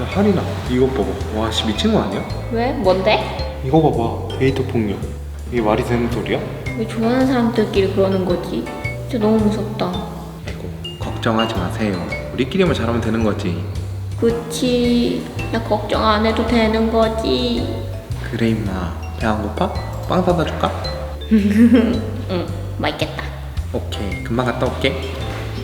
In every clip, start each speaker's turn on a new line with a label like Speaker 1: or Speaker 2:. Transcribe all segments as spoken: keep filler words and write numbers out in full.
Speaker 1: 야 하린아 이거 봐봐. 와씨 미친 거 아니야?
Speaker 2: 왜? 뭔데?
Speaker 1: 이거 봐봐. 데이트 폭력. 이게 말이 되는 소리야?
Speaker 2: 왜 좋아하는 사람들끼리 그러는 거지? 진짜 너무 무섭다.
Speaker 1: 아이고 걱정하지 마세요. 우리끼리만 잘하면 되는 거지.
Speaker 2: 그치. 나 걱정 안 해도 되는 거지.
Speaker 1: 그래 임마. 배 안 고파? 빵 사다 줄까?
Speaker 2: 응, 맛있겠다.
Speaker 1: 오케이 금방 갔다 올게.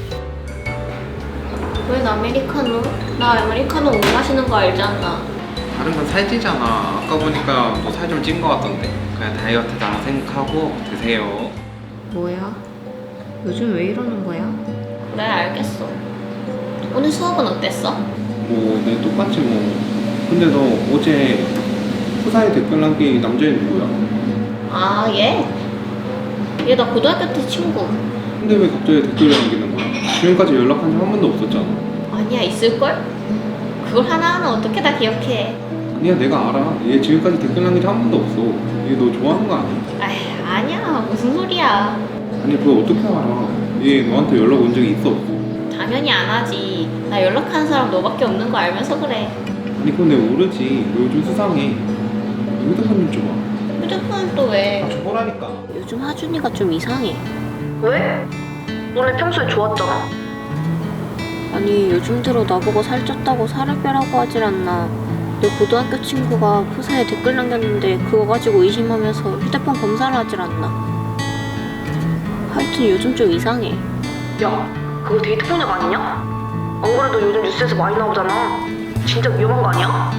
Speaker 2: 왜 아메리카노? 나 아메리카노 못 마시는 거 알잖아.
Speaker 1: 다른 건 살찌잖아. 아까 보니까 너 살 좀 찐 거 같던데. 그냥 다이어트다 생각하고 드세요.
Speaker 2: 뭐야? 요즘 왜 이러는 거야? 그래, 알겠어. 오늘 수업은 어땠어?
Speaker 1: 뭐, 내 똑같지 뭐. 근데 너 어제 후사에 댓글 남긴 남자애는 누구야?
Speaker 2: 아, 얘? 얘 나 고등학교 때 친구.
Speaker 1: 근데 왜 갑자기 댓글을 남기는 거야? 지금까지 연락한 적 한 번도 없었잖아.
Speaker 2: 아니야, 있을걸? 그걸 하나하나 어떻게 다 기억해.
Speaker 1: 아니야, 내가 알아. 얘 지금까지 댓글 남긴 적 한 번도 없어. 얘 너 좋아하는 거 아니야?
Speaker 2: 아이, 아니야. 무슨 소리야.
Speaker 1: 아니, 그걸 어떻게 알아? 얘 너한테 연락 온 적이 있어 없어?
Speaker 2: 당연히 안 하지. 나 연락하는 사람 너밖에 없는 거 알면서 그래.
Speaker 1: 아니, 그건 내가 모르지. 너 요즘 수상해. 휴대폰 좀 줘봐.
Speaker 2: 휴대폰은 또 왜?
Speaker 1: 아, 줘보라니까.
Speaker 2: 요즘 하준이가 좀 이상해.
Speaker 3: 왜? 원래 평소에 좋았잖아.
Speaker 2: 아니, 요즘 들어 나보고 살쪘다고 살을 빼라고 하질 않나. 내 고등학교 친구가 푸사에 댓글 남겼는데 그거 가지고 의심하면서 휴대폰 검사를 하질 않나. 하여튼 요즘 좀 이상해.
Speaker 3: 야, 그거 데이트 폭력 아니냐? 안 그래도 요즘 뉴스에서 많이 나오잖아. 진짜 위험한 거 아니야?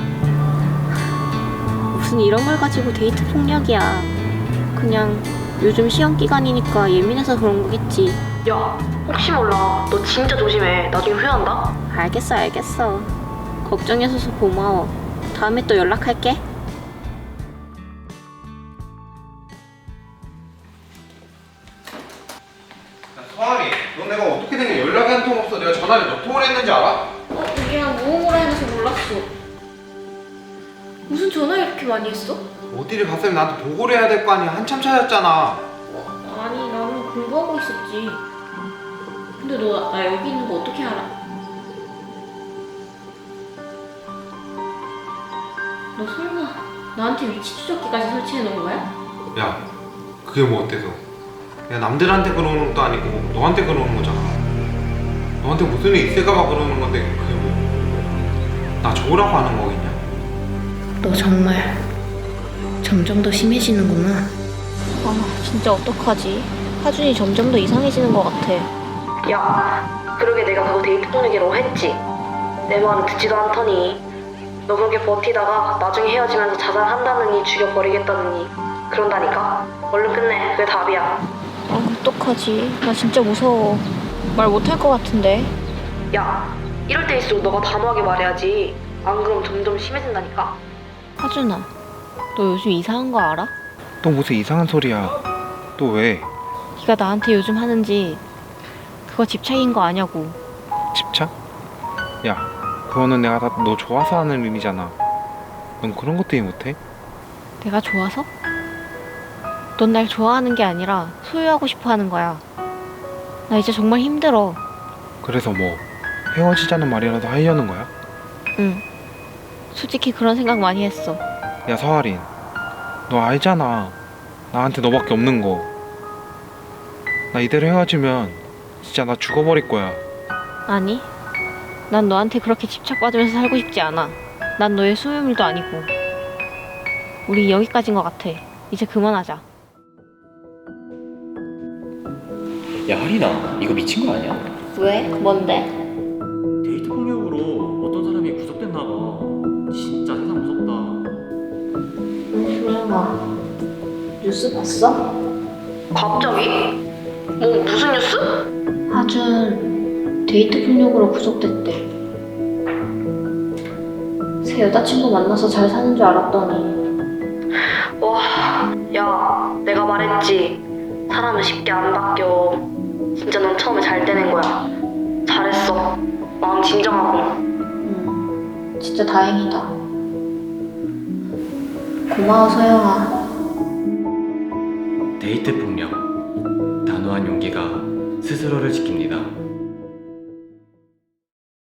Speaker 2: 무슨 이런 걸 가지고 데이트 폭력이야. 그냥 요즘 시험 기간이니까 예민해서 그런 거겠지.
Speaker 3: 야, 혹시 몰라. 너 진짜 조심해. 나중에 후회한다.
Speaker 2: 알겠어, 알겠어. 걱정해줘서 고마워. 다음에 또 연락할게.
Speaker 1: 야, 서아리, 너 내가 어떻게 된 게 연락이 한 통 없어. 내가 전화를 몇 통을 했는지 알아?
Speaker 2: 어, 미안, 무음으로 해놔서 몰랐어. 무슨 전화 이렇게 많이 했어?
Speaker 1: 어디를 갔으면 나한테 보고를 해야 될 거 아니야. 한참 찾았잖아.
Speaker 2: 어, 아니, 나는 공부하고 있었지. 근데 너 나 여기 있는 거 어떻게 알아? 너 설마 나한테 위치 추적기까지 설치해 놓은 거야?
Speaker 1: 야, 그게 뭐 어때서? 야, 남들한테 그러는 것도 아니고 너한테 그러는 거잖아. 너한테 무슨 일 있을까봐 그러는 건데 그게 뭐? 나 좋으라고 하는 거겠냐?
Speaker 2: 너 정말 점점 더 심해지는구나. 아, 진짜 어떡하지? 하준이 점점 더 이상해지는 것 같아.
Speaker 3: 야, 그러게 내가 그거 데이트 폭력이라고 했지. 내 말은 듣지도 않더니. 너 그렇게 버티다가 나중에 헤어지면서 자살한다느니 죽여버리겠다느니 그런다니까. 얼른 끝내. 그게 답이야.
Speaker 2: 아, 어떡하지? 나 진짜 무서워. 말 못할 것 같은데.
Speaker 3: 야, 이럴 때일수록 너가 단호하게 말해야지. 안 그럼 점점 심해진다니까.
Speaker 2: 하준아, 너 요즘 이상한 거 알아?
Speaker 1: 또 무슨 이상한 소리야. 또 왜?
Speaker 2: 네가 나한테 요즘 하는지 그거 집착인 거 아냐고.
Speaker 1: 집착? 야, 그거는 내가 다 너 좋아서 하는 일이잖아. 넌 그런 것도 이해 못해?
Speaker 2: 내가 좋아서? 넌 날 좋아하는 게 아니라 소유하고 싶어 하는 거야. 나 이제 정말 힘들어.
Speaker 1: 그래서 뭐 헤어지자는 말이라도 하려는 거야?
Speaker 2: 응. 솔직히 그런 생각 많이 했어.
Speaker 1: 야 서아린, 너 알잖아. 나한테 너밖에 없는 거. 나 이대로 헤어지면 진짜 나 죽어버릴 거야.
Speaker 2: 아니, 난 너한테 그렇게 집착받으면서 살고 싶지 않아. 난 너의 소유물도 아니고. 우리 여기까지인 것 같아. 이제 그만하자.
Speaker 4: 야 하린아, 이거 미친 거 아니야?
Speaker 2: 왜? 뭔데?
Speaker 4: 데이트 폭력으로 어떤 사람이 구속됐나 봐. 진짜 세상 무섭다.
Speaker 2: 응, 조용아. 뉴스 봤어?
Speaker 3: 갑자기? 뭐 무슨 뉴스?
Speaker 2: 하준 데이트 폭력으로 구속됐대. 새 여자친구 만나서 잘 사는 줄 알았더니.
Speaker 3: 와, 야, 내가 말했지. 사람은 쉽게 안 바뀌어. 진짜 넌 처음에 잘 떼낸 거야. 잘했어. 마음 진정하고.
Speaker 2: 응, 진짜 다행이다. 고마워, 서영아.
Speaker 4: 데이트 폭력. 단호한 용기가 스스로를 지킵니다.